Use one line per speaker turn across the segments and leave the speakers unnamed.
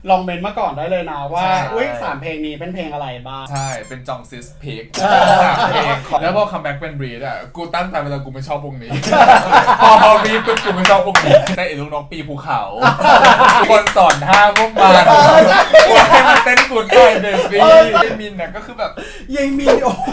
ลองเมนมาก่อนได้เลยนะว่าอุ้ย3 เพลงนี้เป็นเพลงอะไรบ้าง
ใช่เป็นจองซิสพิก3 เพลงแล้วพอคัมแบ็กเป็นบรีดอ่ะกูตั้งใจเวลากูไม่ชอบวงนี้พอบรีดปุ๊บกูไม่ชอบวงนี้แต่ไอ้ลูกน้องปีภูเขาคนสอนท่าพวกมันกูให้มันเต้นกูดหน่อยเบบี้ไอ้มินเนี่ยก็คือแบบ
ยังมีโอ้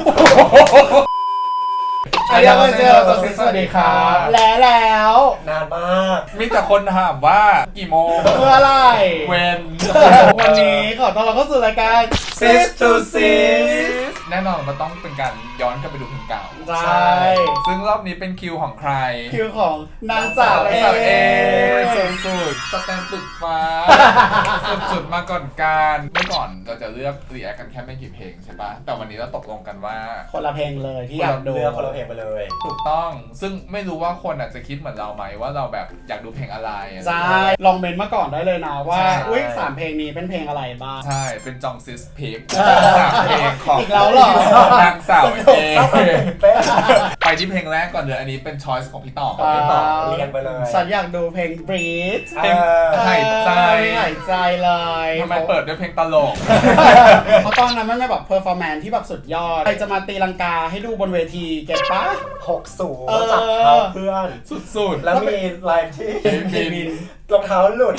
สวัสดีครับแล้ว
นานมาก
มีแต่คนถามว่ากี่โมง
เมื่อไร
เวน
วันนี้ขอต้อนรับเข้าสู่รายการ
Sis to Sis
แน่นอนมันต้องเป็นการย้อนกลับไปดูเพลงเก่า
ใช่
ซึ่งรอบนี้เป็นคิวของใคร
คิวของนางสาวเอ
สุดสแตนตึกฟ้าสุดมาก่อนการเมื่อก่อนเราจะเลือกรีแอคกันแค่ไม่กี่เพลงใช่ปะแต่วันนี้เราตกลงกันว่า
คนละเพลงเลยที่อยากดู
คนละเพลงไปเลย
ถูกต้องซึ่งไม่รู้ว่าคนอาจจะคิดเหมือนเราไหมว่าเราแบบอยากดูเพลงอะไร
ใช่ลองเมนมาก่อนได้เลยนะว่าอุ้ย3 เพลงนี้เป็นเพลงอะไรบ้าง
ใช่เป็นจองซิสพิก3 เพลงของ
อีกแล้วหร
อนางสาวเอไปที่เพลงแรกก่อนเลยอันนี้เป็นช้อยส์ของพี่ต่อ
เรียนไปเลย
ฉันอยากดูเพลง Breathe
เพลงหาย
ใจเลย
ทำไมเปิดด้วยเพลงตลก
เพราะตอนนั้นมันเป็นแบบเพอร์ฟอร์แมนซ์ที่แบบสุดยอดใครจะมาตีลังกาให้ดูบนเวทีเก็ตปะ
60จับเท้าเพื่อน
สุด
แล้วมีไลฟ์ที่
มิน
รองเท้าหลุด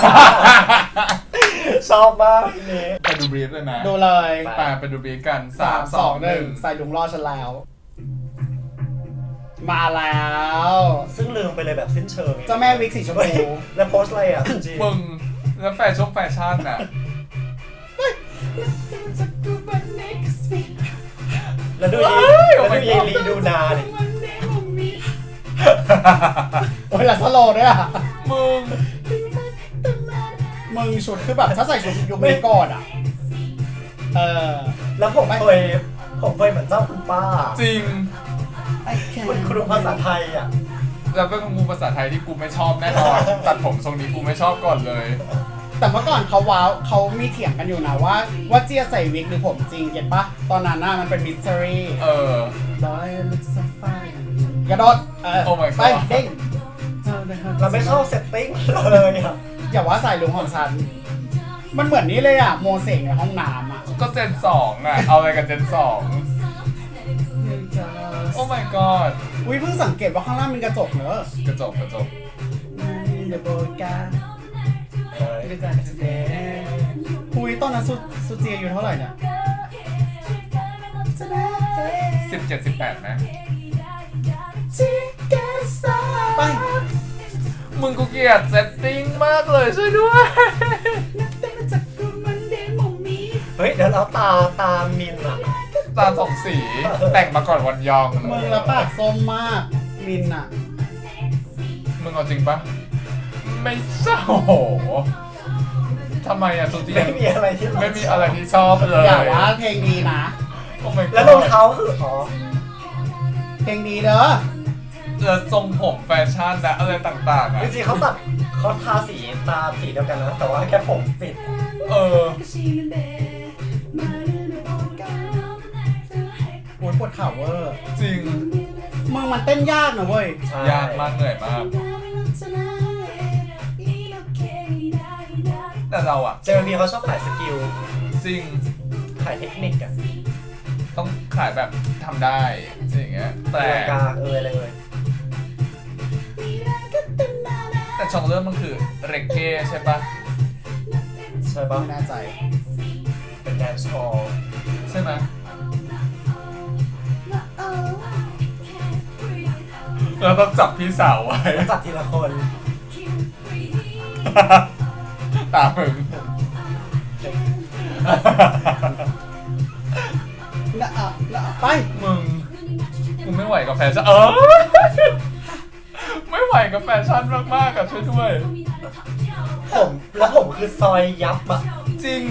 ชอบมากทีนี้
ไปดูบรีฟเลยนะ
ดูเลย
ไปดูบรีฟกัน
3 2 1ใส่ถุงรอฉันแล้วมาแล้ว
ซึ่งลืมไปเลยแบบสิ้นเชิง
เจ้าแม่วิกสีชมพู
แล้วโพสอะไรอ่ะ
มึงแล้วแฟชั่นน่ะ
แล้วดูยีรีดูนาดิ
โอ้ยหลังสโลด้วยอ่ะ
มึง
ชุดคือแบบถ้าใส่ชุดยุคนี้ก่อนอ่ะ
แล้วผมเคยเหมือนเจ้าคุณป้า
จริง
คุณครูภาษาไทยอ่ะ
แล้วเป็นครูภาษาไทยที่กูไม่ชอบแน่นอนตัดผมทรงนี้กูไม่ชอบก่อนเลย
แต่เมื่อก่อนเขามีเถียงกันอยู่นะว่าเจียใส่วิกหรือผมจริงเก็ตปะตอนนั้นน่ะมันเป็นมิส t ต r รี่กระโดดไปเด้ง
เราไม่ชอบเซตติ้งเลยอ่ะ
อย่าว่าใส่ลุงของฉันมันเหมือนนี้เลยอ่ะโมเสกในห้องน้ำอ่ะ
ก็เจน2อ่ะเอาอะไรกับเจน2โอ้ my god
อุ้ยเพิ่งสังเกตว่าข้างล่างมีกระจกเนอะ
กระจก
อุ้ยตอนนั้นสุเจียอยู่เท่าไหร่เนี่ย
17-18นะ
ไป
มึงกูเกลียดเซตติ้งมากเลยช่วยด้วย
เฮ้ยเดี๋ยวเราตามินอะ
ตา2 สีแต่งมาก่อนวันยอง
มึงแล้วปากส้มมากมินอะ
มึงเอาจริงปะไม่ชอบทำไมอะสุดที่
ไม่มีอะไร
ที่ชอบเลย
อย่าว่าเพลงดีนะ
แล้วรองเท้าคือ
เพลงดีเด้อ
ทรงผมแฟชั่นและอะไรต่างๆอะ
จริงๆเขาทาสีตาสีเดียวกันนะแต่ว่าแค่ผมปิด
โอ้ยปวดเข่าเวอร์
จริง
มึงมันเต้นยากนะเว้ย
ยากมากเหนื่อยมากแต่เราอะ
เจมีเขาชอบขายสกิล
จริง
ขายเทคนิคอะ
ต้องขายแบบทำได้อย่างเงี้ยแต่
อะไรเลย
แต่ช่องเริ่มมันคือเรกเก้ใช่ปะ
ไม่แน่ใจ
เป็นแดนซ์ฮอล
ใช่ไหมเราต้องจับพี่สาวไว้
จับทีละคน
ตามึง
ไป
มึงกูไม่ไหวกับแฟชั่นไม่ไหวกับแฟชั่นมากๆกับช่วยด้วย
ผมคือซอยยับอะ
จริง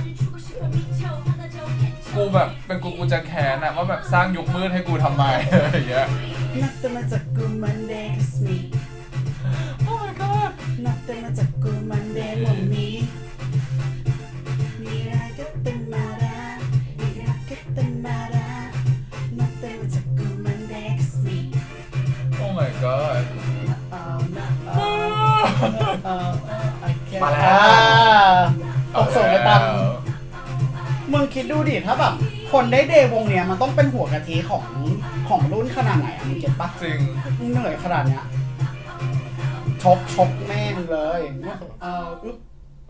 กูแบบเป็นกูจะแค้นอะว่าแบบสร้างยุคมืดให้กูทำไมอะไรอย่างเงี้ย
นับแต่มาจากกูมันเดย์คัสมี
โอ้ my god
นับแต่มาจากกูมันเดย์มันมีมีอะไรก็เป็นมาได้มีอะไรก็เป็นมาได้นับแต่มาจากกูมันเดย์คัสมี
โอ้ my god
มาแล้ว
มึงคิดดูดิถ้าแบบคนได้เดย์วงเนี้ยมันต้องเป็นหัวกะทิของรุ่นขนาดไหนอะมึงเก็ตปะ
จริง
มึงเหนื่อยขนาดเนี้ยชกแม่งเลยอึ๊บ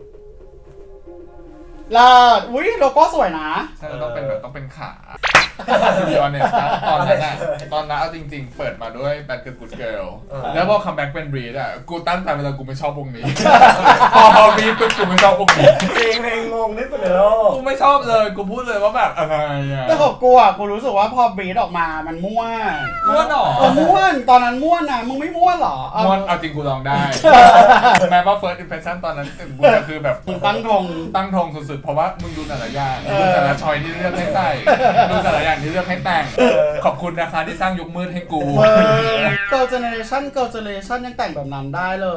ลาดอุ้ยโลโก้สวยนะ
ใช่ต้องเป็นแบบต้องเป็นขาพี่ออนเนี่ยตอนนั้นเอาจริงๆ เปิดมาด้วย Bad Girl Good Girl แล้วพอคัมแบ็กเป็น Breed อ่ะกูตั้งใจเวลากูไม่ชอบวงนี้ พอมีปุ๊บกูไม่ชอบวงนี้
จริงเพลงงงที่สุดในโลก
กูไม่ชอบเลยกูพูดเลยว่าแบบอะไรอ่ะ
แต่ของกูอ่ะกูรู้สึกว่าพอบรีดออกมามันม่วน
ม่วนเหรอ
ม่วนตอนนั้นม่วนนะมึงไม่ม่วนเหรอ
มอนเอาจริงกูลองได้ แม้ว่า first impression ตอนนั้นกูก็คือแบบ
มึงตั้งธง
ตั้งธงสุดๆ เพราะว่ามึงดูแต่ละอย่างดูแต่ละชอยที่เลือกให้ใส่ดูแต่ละอย่างที่เลือกให้แต่งขอบคุณนะคะที่สร้างยุคมืดให้กู
Girl Generation ยังแต่งแบบนั้นได้เลย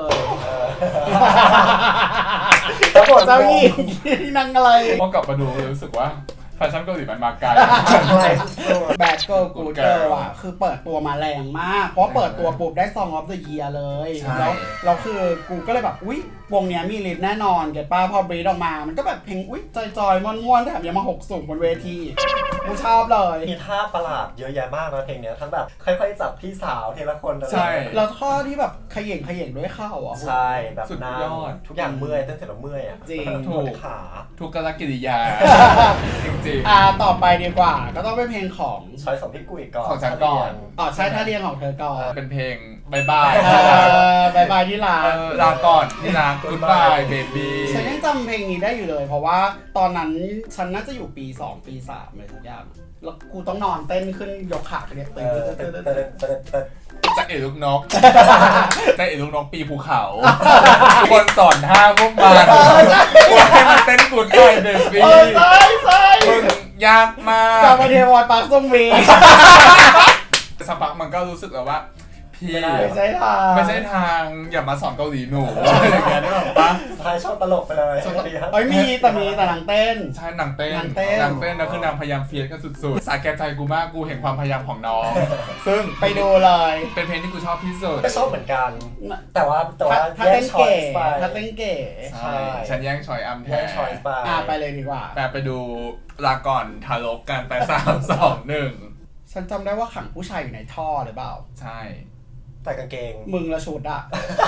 แล้วบท
เจ้าหญิงที่นั่งอะไร
พอกลับมาดูรู้สึกว่าแฟชั่นเกาหลีมันมาไกล
อะไรสุด
Bad Girl Good Girl อ่ะคือเปิดตัวมาแรงมาก เพราะเปิดตัวปุ๊บได้ Song of the Year เลย
ใช่
แล้วคือกูก็เลยแบบอุ๊ยวงเนี้ยมีลิสต์แน่นอนเก็ตป้าพอบรีดออกมามันก็แบบเพลงอุ๊ยจอยๆม่วนๆแถมยังมาหกสูงบนเวทีกูชอบเลย
มีท่าประหลาดเยอะแยะมากนะเพลงเนี้ยทั้งแบบค่อยๆจับพี่สาวทีละคน
ใช่
แล้วท่อที่แบบเขย่งด้วยเข่าอ่ะ
ใช่แบบ
สุด
นั่
ย
ง
อด
ทุกอย่างเมื่อยเต้นเสร็จแล้วเมื่อยอ่ะ
จริง
ปวดขา
ทุกกลกิริยา จริง
ต่อไปดีกว่าก็ต้องเป็นเพลงของ
ช้อยของพี่กุ้ยก่อน
ของฉันก่อน
ใช่ถ้าเรียงของเธอก่อน
ๆเป็นเพลงบายบาย
บายบายที่รัก
ลาก่อนที่รัก Goodbye Baby
ฉันยังจำเพลงนี้ได้อยู่เลย เพราะว่าตอนนั้นฉันน่าจะอยู่ปี 2 ปี 3เลยทุกอย่างแล้วกูต้องนอนเต้นขึ้นยกขาเนี่ย
เอ
เต้น
อ
เต้น
เต้
เต้
น
น
เต้นเต้น
จากเอ๋ลูกนก จากเอ๋ลูกนกปีภูเขาทุกคนสอนท่าพวกมันว่าให้มันเต้น Goodbye Baby
ใช่
มึงยากมาก
จำมาเทวอนปากส้มวี
สักพักมันก็รู้สึกแล้วว่าพี่
ไม่ใช่ทาง
ไม่ใช่ทางอย่ามาสอนเกาหลีหนูอะไรอย่างเงี้ยได้หรอปะ
สุดท้ายชอบตลกไปเลย
เอ้ยมีแต่นางเต้น
ใช่นางเต้น
นางเต้น
แล้วคือนางพยายามเฟียสกันสุดๆสาแก่ใจกูมากกูเห็นความพยายามของน้อง ซึ่ง
ไปดูเลย
เป็นเพลงที่กูชอบที่สุด
ก็ชอบเหมือนกัน แต่ว่า
ถ้า
แย
เต้
ก
น
ช้อย
เก๋
ส์ไป
ถ้าเต้นเก๋
ใช่ฉันแย่งชอยอัมแท
แยก
น
ช้อยส์ไป
ไปเลยดีกว่า
แต่ไปดูลาก่อนทารกกันไป3 2
ฉันจำได้ว่าขังผู้ชายอยู่ในท่อหรือเปล่า
1 ใช่
แต่กางเกง
มึงละชุดอะ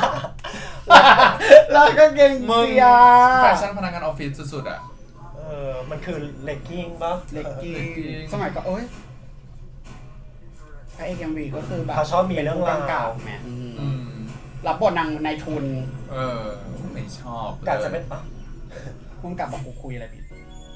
แล้วก็เกง
มึง
เสีย
แฟชั่นพนักงานออฟฟิศสุดๆอ่ะ
มันคือเลกกิ้งปะ
เล็กกิ้
เล็กกิ้
ง
ง
สมัยก็โอ๊ยพระเอกเอ็มวีก็คือแบบ
เขาชอบมีเรื่องราว
เก่าแหม
อืม
รับบทนางนายทุน
ไม่ชอบลย
กาจะเป็นปะ
พุ่งกลับบอกกูคุยอะไรผิด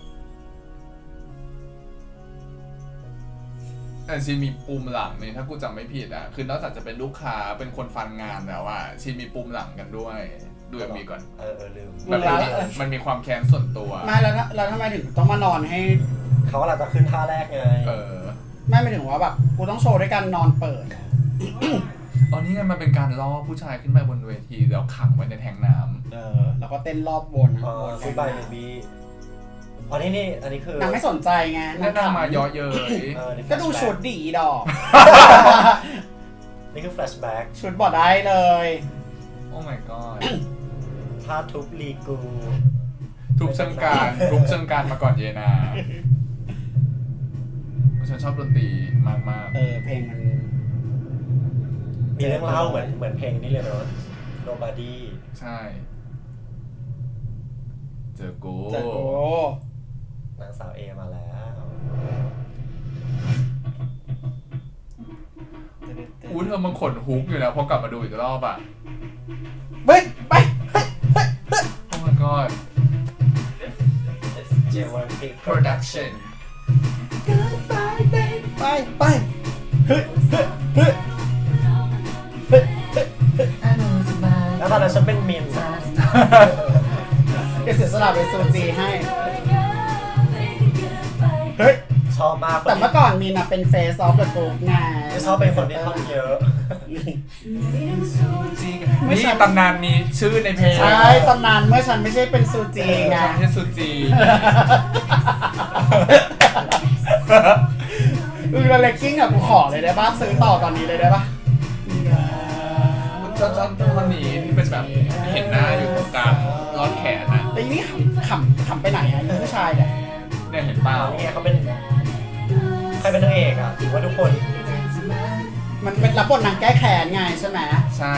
แต่ชีมีปุ่มหลังนี่ถ้ากูจำไม่ผิดอ่ะคือนอกจากจะเป็นลูกค้าเป็นคนฟันงานแล้วอ่ะชีมีปุ่มหลังกันด้วยดูมีก่อน
ลืม
แบบมันมีความแค้นส่วนตัว
ไม่แล้วทำไมถึงต้องมานอนให้
เขาอาจจะขึ้นท่าแรกไง
ไม่ไปถึงว่าแบบกูต้องโชว์ด้วยการนอนเปิด
ตอนนี้ไงมันเป็นการล่อผู้ชายขึ้นไปบนเวทีแล้วขังไว้ในแทงน้ำ
แล้วก็เต้นรอบวนนะ
คุยบายเบบี้อันนี้คือน
างไม่สนใจไง
แล้วนางมาเยอะเย้ย
ก็ดูชุดดีดอก
นี่คือแฟลชแบ็ก
ชุดบอดได้เลย
โอ้ my god
ท่าทุบลีกู
ทุบเชิงการมาก่อนเยนาฉันชอบดนตรีมาก
เพลงมัน
มีเรื่องเล่าเหมือนเพลงนี้เลยเนาะ Nobody
ๆใช่เจอกู
จะโอ้
นางสาวเอมาแล้ว
อู้เธอมันขนฮุกอยู่นะพอกลับมาดูอีกรอบอ่ะ
ไปไป
โอ้ my god
J1P
production
ไปเฮ้ยเฮ้ย
แล้วตอนนั้นฉันเป็นมิน
เดี๋ยวเสียสละเป็นซูจีให้เฮ้ย
ชอบมาก
แต่เมื่อก่อนมีนะเป็น Face of the Group ไง
ไม่ชอบเป็นคนที่ท่อนเยอะ
นี่ตำนานมีชื่อในเพลง
ใช่ตำนานเมื่อฉันไม่ใช่เป็นซูจีไง
ฉันไม่ใช่ซูจี
แล้วเลกกิ้งอะกูขอเลยได้ป่ะซื้อต่อตอนนี้เลยได้ป่ะ
ชอบคนนี้ที่เป็นแบบเห็นหน้าอยู่ตรงกลางรอดแขนนะ
แต่อีนี่ขำไปไหนอะอีผู้ชายเนี่ย
เนี่ยเห็นเปล่า
นี่ไงเขาเป็นใครเป็นนางเอกอ่ะถือว่าทุกคน
มันเป็นรับบทนางแก้แค้นไงใช่ไหม
ใช่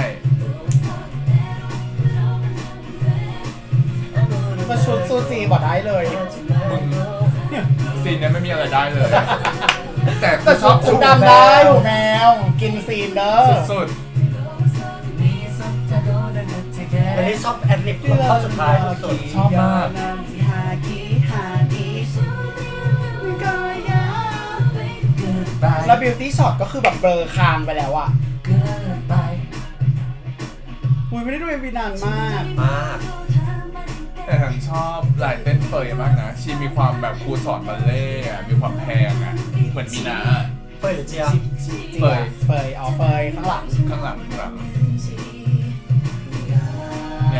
ก็ชุดซูจีบอกได้เลย
มึงซีนเนี้ยไม่มีอะไรได้เลย แต่
แต่
ชอบ
ชุดดำได้หูแมว กินซีนเด้อ
สุด
อันนี้ชอบแอดลิปเข้าสุดท้ายสุด
ชอบมาก
แล้วบิวตี้ช็อตก็คือแบบเบลอคางไปแล้วอะอุ้ยไม่ได้ดูเอ็มวีนานมาก
ๆมาก
แต่ฉันชอบลายเต้นเฟยมากนะ ชีมีความแบบครูสอนบัลเล่ต์อะมีความแพงอะเหมือนมีนา
เฟยหรือเจีย
เฟยเฟยอ๋อเฟยข้างหลัง
ข้างหลังเนี่ย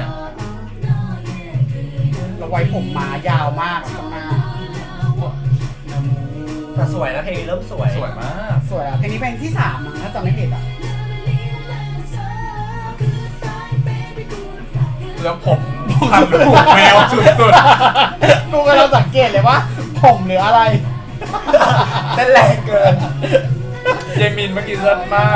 แล้วไว้ผมม้ายาวมากข้างหน้า
แต่สวยนะเพลงเริ่มสวย
สวยมาก
สวยอะเพลงนี้เพลงที่3มั้งถ้าจำไม่ผิดอะ
แล้วผมพันผูกแมวสุด
กูกำลังสังเกตเลยว่าผมหรืออะไร
เต้นแรงเกิน
ๆเยมินเมื่อกี้เลิศมาก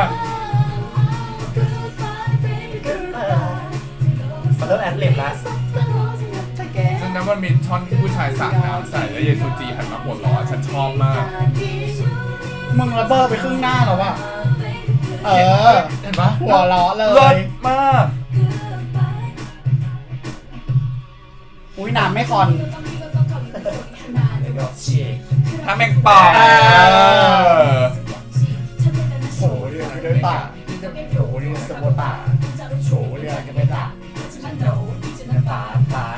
มันเริ่มแอดลิปแล้ว
ซึ่งนั้นมันมีช่อนที่ผู้ชายสาดน้ำใส่แล้วเยซูจีหันมาหัวเราะฉันชอบมาก
มึงระเบิดไปครึ่งหน้าแล้วว่ะเออ
เห็นปะ
หัวเราะเล
เลิ
ย
ศมาก
อุ้ยน้ำไม่คอน
แล้วก็ฉีก
ถ้าแมงป่อง
โฉเรือกันด้วยตาโฉเรือสมบูตาโฉเรือกันด้วยตาตาตาย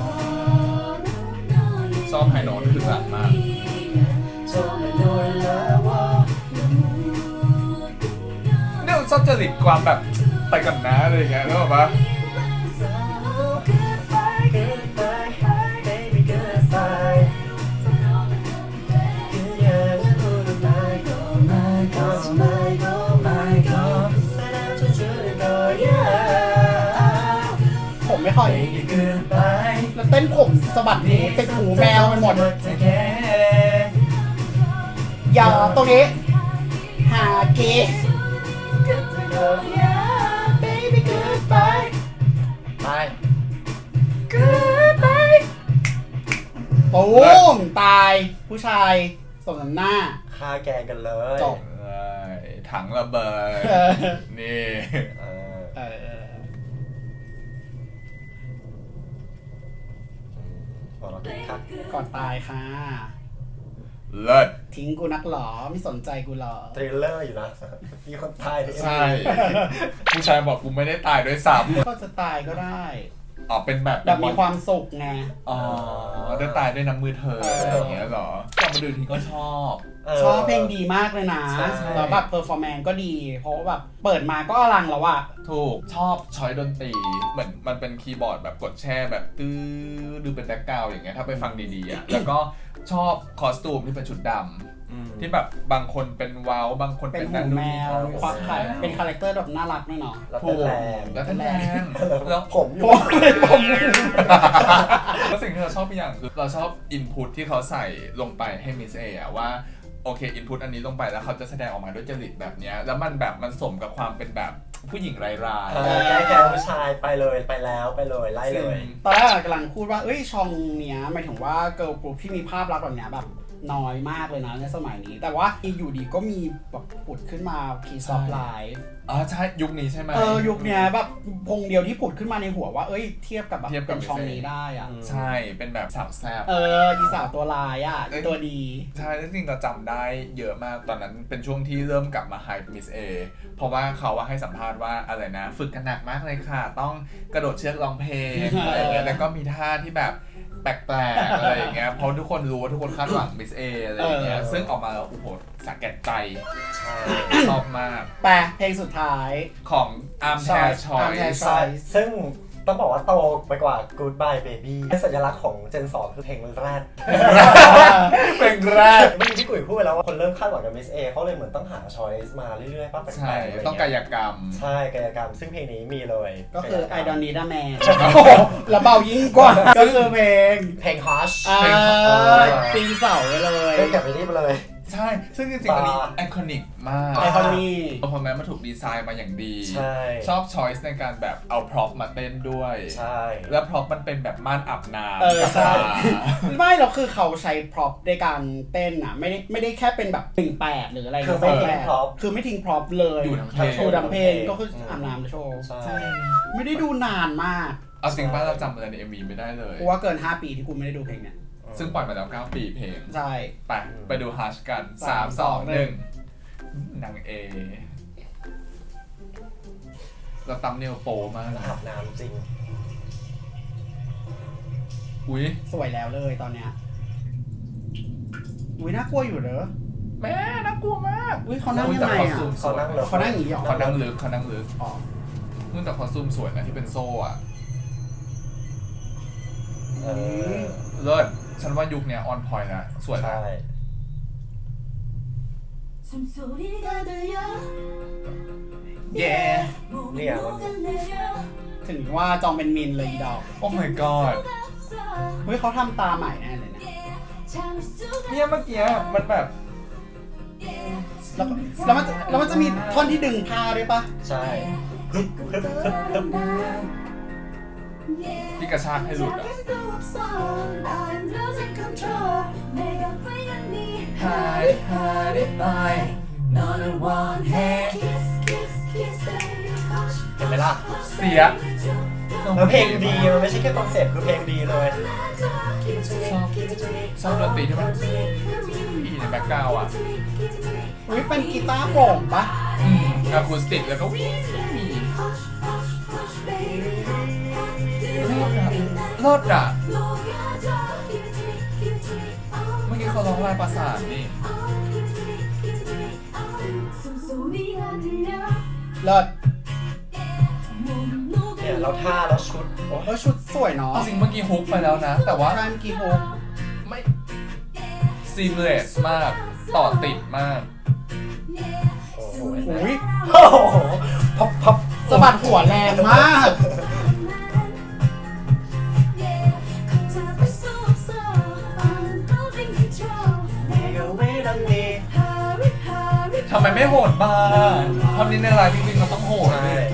ชอบไฮโน้ตคือหลังมากเนี่ยชอบจริตความแบบไปกันนะอะไรอย่างเงี้ยแล้วแบบว่า
ผมไม่ค่อยแล้วเต้นผมสะบัดหูติดหูแมวไปหมดอย่าตรงนี้หาเกย์
ไป
ตูมตายผู้ชายสมน้ำหน้า
ฆ่าแกงกันเลย
จบ
ถังระเบิด
เออ
นี่
เออ
เออ
พอเราคิดคัก
ก่อนตายค่ะ
เลิศ
ทิ้งกูนักหรอไม่สนใจกูหรอ
ทริลเลอร์อยู่นะ มีคนตายใน
ใช่ ผู้ชายบอกกูไม่ได้ตายด้วยซ้
ก็จะตายก็ได้
ำอ๋อเป็นแบบ
แบบมีความสุขไง
อ๋อได้ตายด้วยน้ำมือเธออะไรอย่างเงี้ยเหรอกลับมาดูทีก็ชอบ
ชอบเพลงดีมากเลยนะ
ใช่
แล้วแบบเพอร์ฟอร์แมนซ์ก็ดี เพราะว่าแบบเปิดมาก็อลังแล้วอะ
ถูกชอบช้อยดนตรีเหมือนมันเป็นคีย์บอร์ดแบบกดแช่แบบตื้อดูเป็นแบ็คกราวด์อย่างเงี้ยถ้าไปฟังดีๆอ่ะ แล้วก็ชอบคอสตูมที่เป็นชุดดำที่แบบบางคนเป็นว้าวบางคน
เป็
เป็น น
หู
นั่น
แม
นี่
วมีความคล้ายเป็นคาแรคเตอร์แบบน่ารักด้วยเนาะ
แล้ว
ถู
เต้น
ก
แรง
แล้วแรงแล้ว
ผมอยู่
แล้วสิ่งที่เราชอบอีกอย่างคือเราชอบอินพุตที่เขาใส่ลงไปให้มิสเอะว่าโอเคอินพุตอันนี้ลงไปแล้วเขาจะแสดงออกมาด้วยจริตแบบเนี้ยแล้วมันแบบมันสมกับความเป็นแบบผู้หญิงราย
แก้แกงผู้ชายไปเลยไปแล้วไปเลยไล่เลย
ตอนแรกกำลังพูดว่าเอ้ยช่องเนี้ยหมายถึงว่าเกิร์ลกรุ๊ปที่มีภาพลักษณ์แบบเนี้ยแบบน้อยมากเลยนะในสมัยนี้ แต่ว่าอยู่ดีก็มีแบบผุดขึ้นมาคีซอฟไลฟ์
อ๋อใช่ยุคนี้ใช่ไหม
ยุคเนี้ยแบบพงเดียวที่ผุดขึ้นมาในหัวว่าเอ้ยเทียบกับแบบ
เทียบกับ
เป็นช่องนี้ได้อะ
ใช่เป็นแบบสาวแซ่บ
อีสาวตัวลายอ่ะอีตัวดี
ใช่แล้วจริงๆเราจำได้เยอะมากตอนนั้นเป็นช่วงที่เริ่มกลับมาไฮมิสเอเพราะว่าเขาว่าให้สัมภาษณ์ว่าอะไรนะ ฝึกกันหนักมากเลยค่ะ ต้องกระโดดเชือกร้องเพลงอะไรอย่างเงี้ยแล้วก็มีท่าที่แบบแปลกๆอะไรอย่างเงี้ยเพราะทุกคนรู้ว่าทุกคนคาดหวังมิสเออะไรอย่างเงี้ยซึ่งออกมาแล้วโอ้โหสะแก่ใจ
ใช่
ชอบมาก
แปลเพลงสุดท้าย
ของ Arm Hair Choice
ใช่ซึ่งต้องบอกว่าโตไปกว่า Goodbye Baby สัญลักษณ์ของ Gen 2 คือเพลงแรก
เป็นแรก
เมื่อกี้พี่กุ๋ยพูดไปแล้วว่าคนเริ่มคาดหวังกับ Miss A เขาเลยเหมือนต้องหา choice มาเรื่อยๆป้าแปลกๆ
ใช่
ะไรเงี้ย
ต้องกายกรรม
ใช่กายกรรมซึ่งเพลงนี้มีเลย
ก็คือ I
กายกรรม
don't need a man แล้วเบายิ่งกว่า ก็คือเพลง
เพลง Hush
ปีนเสาไปเลย
เล่นกับไอ้นี่ไปเลย
ใช่ ซึ่งจริงๆอันนี้ไอคอนิกมาก
ไอคอนนี่
เพราะแม้มันถูกดีไซน์มาอย่างดี
ใช่
ชอบช้อยส์ในการแบบเอาพร็อพมาเต้นด้วย
ใช่
แล้วพร็อพมันเป็นแบบม่านอาบน้ำ
ใช่
กับปลา
ไม่หรอกคือเขาใช้พร็อพในการเต้นอ่ะ ไม่ได้แค่เป็นแบบ18หรืออะไร
คือไม่ทิ้ง
18
พร็อพ
คือไม่ทิ้งพร็อพเลย
อยู่ทั้งเพลง
โชว์ดังเพลงก็คืออาบน้ำโชว์
ใช่
ไม่ได้ดูนานมาก
เอาจริงป้าเราจำอะไรใน MV ไม่ได้เลย
เพราะว่าเกิน 5 ปีที่กูไม่ได้ดูเพลงเนี่ย
ซึ่งปล่อยมาแล้ว9 ปีเพลง
ใช่
ไปดูฮัชกัน 3 2 1นางเอเราตำเนียวโปมาก
แล้วอาบน้ำจริง
อุ้ย
สวยแล้วเลยตอนเนี้ยอุ้ยน่ากลัวอยู่เหรอ
แม่น่ากลัวมาก
อุ้ยเขานั่งยังไงอ่ะ
เขานั่งเลย
เขานั่งอย่างนี้เหรอ
เขานั่งลึกเขานั่งลึก
อ๋อ
นู่นแต่คอสตูมสวยนะที่เป็นโซ่อะ
เออ
เลิศฉันว่ายุคเนี้ยออนพอยนะสวยนะ
ใช่
เย้
เนี่ยมัน
ถึงว่าจองเป็นมินเลยอีดอก
โอ้ my god
เฮ้ยเขาทำตาใหม่แน่เลยนะ
เนี่ยเมื่อกี้มันแบบ
แล้วมันจะมีท่อนที่ดึงผ้าด้วยปะ
ใช่ฮึบฮึบฮึบฮึบ
ที่กระชากให้หลุดอะ
เห็นไหมล่ะ
เสีย
แล้วเพลงดีมันไม่ใช่แค่คอนเซ็ปต์คือเพลงดีเลย
ชอบดนตรีที่มันอีในแบ็คกราวด์อ่ะ
อุ้ยเป็นกีตาร์โปร่งปะ
อะคูสติกแล้วก็วิ่งเลิศอ่ะเมื่อกี้เขาร้องลายประสานนี่
เลิศ
เนี่ยเราท่าแล้วชุดโอ้
เออชุดสวยเนาะ
เอาจริงเมื่อกี้ฮุกไปแล้วนะ แต่ว่า
ใช่เมื่อกี้โฮ
ไม่ซีมเลสมาก ต่อติดมาก
โห
อุ้ย
โอ้โหพับพับ
สะบัดหัวแรงมาก
ทำไมไม่โหดบ้างทำนี้ในไลฟ์จริงๆเราต้องโหด
ใช่
เลย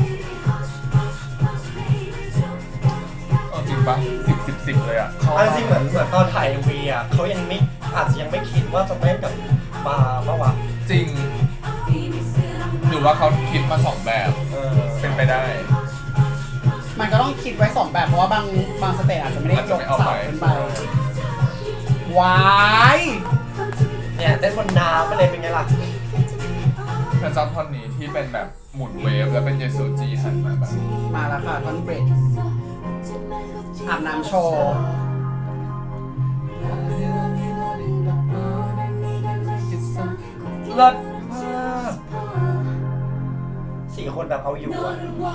เอาจริงปะ10เลยอ่ะชอบ
อันจริงเหมือนตอนถ่าย MV อ่ะเขายังไม่อาจจะยังไม่คิดว่าจะเต้นกับปลาปะวะ
จริง หรือว่าเขาคิดมา2แบบ เป็นไปได้
มันก็ต้องคิดไว้สองแบบเพราะว่าบางสเตจอาจจะไม่ได้
อาจ
ย
จะ
ก
ไม่เอา
เสา
ไป
ขึ้นไปว้าย
เนี่ยเต้นบนน้ำไปเลยเป็นไงล่ะ
แต่จำท่อนนี้ที่เป็นแบบหมุนเวฟแล้วเป็นเยซูจีหันมาแบบ
มาแล้วค่ะท่อนเบรกอาบน้ำโชว์
เลิศมาก
4 คนแบบเอาอยู่อ่ะ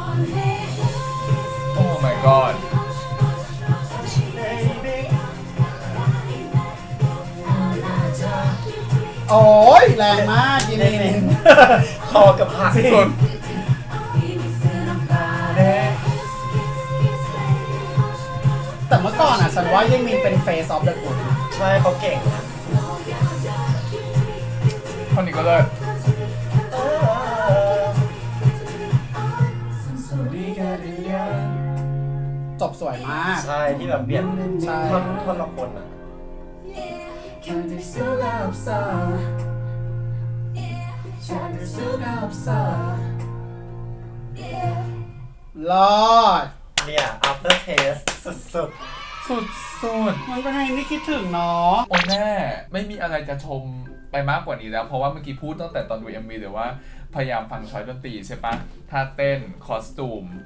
โอ้ my god
โอ้ยแรงมากยิมิน
คอกับหัก
สุด
แต่เมื่อก่อนอ่ะฉันว่ายิมินเป็นเฟสออฟเดอะกูด
ใช่เขาเก่งนะ
ท่อนนี้ก็เลิศ
จบสวยมาก
ใช่ที่แบบเปลี่ยน
ใช่
ท่อนละคนอ่ะ
รอด
เนี่ย after taste สุด
สุด
มันเป็นเพลงที่คิดถึงเนาะ
โอ้แม่ไม่มีอะไรจะชมไปมากกว่านี้แล้ว เพราะว่าเมื่อกี้พูดตั้งแต่ตอนดู MV หรือว่าพยายามฟังช้อยดนตรีใช่ปะท่าเต้นคอสตูม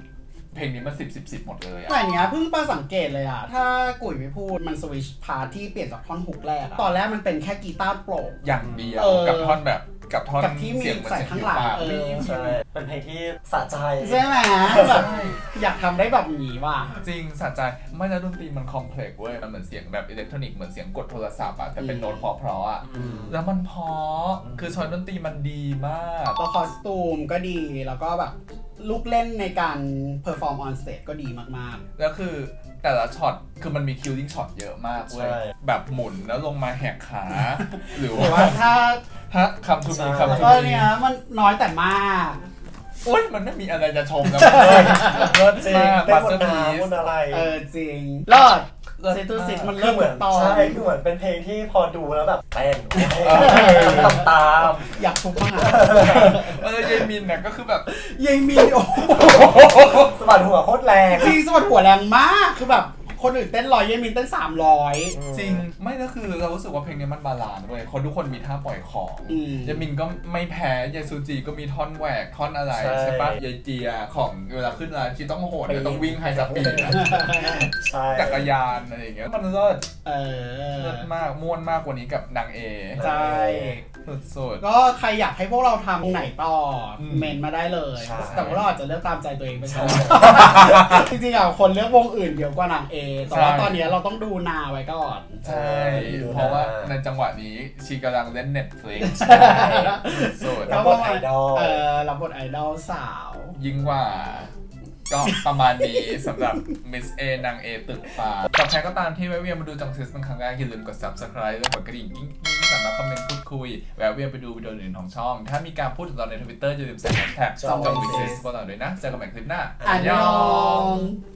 เพลงนี้มัน10 หมดเลยอะ
แต่เนี้ยเพิ่งมาสังเกตเลยอะถ้ากุ๋ยไม่พูดมันสวิชพาร์ทที่เปลี่ยนจากท่อนฮุกแรกอะตอนแรกมันเป็นแค่กีตาร์โปร่ง
อย่างเดียว
เออ
กับท่อนแบบกับท่อน
กับที่มี
เสียงเหมือน
ใส่
เสียง
ข้าง
ผิว
หลัง
ปาก
เออ
ใช่เป็นเพลงที่สะใจ
ใช่ไหมแบบอยากทำได้แบบนี้ว่ะ
จริงสะใจไม่แล้วดนตรีมันคอมเพล็กซ์เว้ยมันเหมือนเสียงแบบอิเล็กทรอนิกส์เหมือนเสียงกดโทรศัพท์อะแต่เป็นโน้ตเพราะๆอะแล้วมันเพราะคือช้อยดนตรีมันดีมาก
แล้วคอสตูมก็ดีแล้วก็แบบลูกเล่นในการเพอร์ฟอร์มออนสเตจก็ดีมาก
แล้วคือแต่ละช็อตคือมันมีคิลลิ่งช็อตเยอะมากเว้ย
ใช่
แบบหมุนแล้วลงมาแหกขา หรือ
ๆหรือ
ว่า
ว่าถ้า
ฮะคำทูมี
ใช่
คำทู
ก็
มี
เนี้ยมันน้อยแต่มาก
โอ๊ยมันไม่มีอะไรจะชมแล้ว
เลิศจริง
มาก
เต้นบน
Masterpiece
น้ำบนอะไร
จริงเลิศ
เลิศ
เซตูซิตมัน
คื
เลิ
อ
ศ
เหมือน
ตอน
ใช่คือเหมือนเป็นเพลงที่พอดูแล้วแบบเต้นทำตาม
อยากทุบมาก
เยมินเนี่ยก็คือแบบ
ยังมีโอ้โห
สะบัดหัวโคตรแรง
จริงสวัสดหัวแรงมากคือแบบคนอื่นเต้น100ยังมีเต้น300
จริงไม่ก็คือเรารู้สึกว่าเพลงนี้มันบาลานซ์ด้วยคนทุกคนมีท่าปล่อยของ
อืม
ยามินก็ไม่แพ้ยายซูจีก็มีท่อนแหวกท่อนอะไรใช่ปะยายเจียของเวลาขึ้นร้านที่ต้องโหดเนี่ยต้องวิ่งไฮสปีด
ใช่
จักรยานอะไรอย่างเงี้ยมันเลิศ
เออ
เลิศมากม่วนมากกว่านี้กับนางเอ
ใช่
สุด
ก็ใครอยากให้พวกเราทำไหนต่ออ
ม
เมนมาได้เลย
ใช่
แต่พวกเราอาจจะเลือกตามใจตัวเองไปก่อนจริงๆอ่ะคนเลือกวงอื่นเยอะกว่านางเอแต่ว่าตอนนี้เราต้องดูนาไว้ก่อน
ๆใช่เพราะว่าในจังหวะนี้ชีกำลังเล่น Netflix สุด
รับบทไอดอล
รับบทไอดอลสาว
ยิ่งกว่าก็ประมาณนี้สำหรับ Miss A นาง A ตึกฟ้ากับใครก็ตามที่แวะเวียนมาดูจังซิสเป็นครั้งแรกอย่าลืมกด Subscribe และกดกระดิ่งกิ๊งๆสามารถคอมเมนต์พูดคุยแวะเวียนไปดูวิดีโออื่นของช่อง ถ้ามีการพูดถึงเราใน Twitter อย่าลืมใส่แฮชแท็ก
จ้อง
จังวิเศษพวกเราด้วยนะเจอกันใหม่คลิปหน้า
อันยอง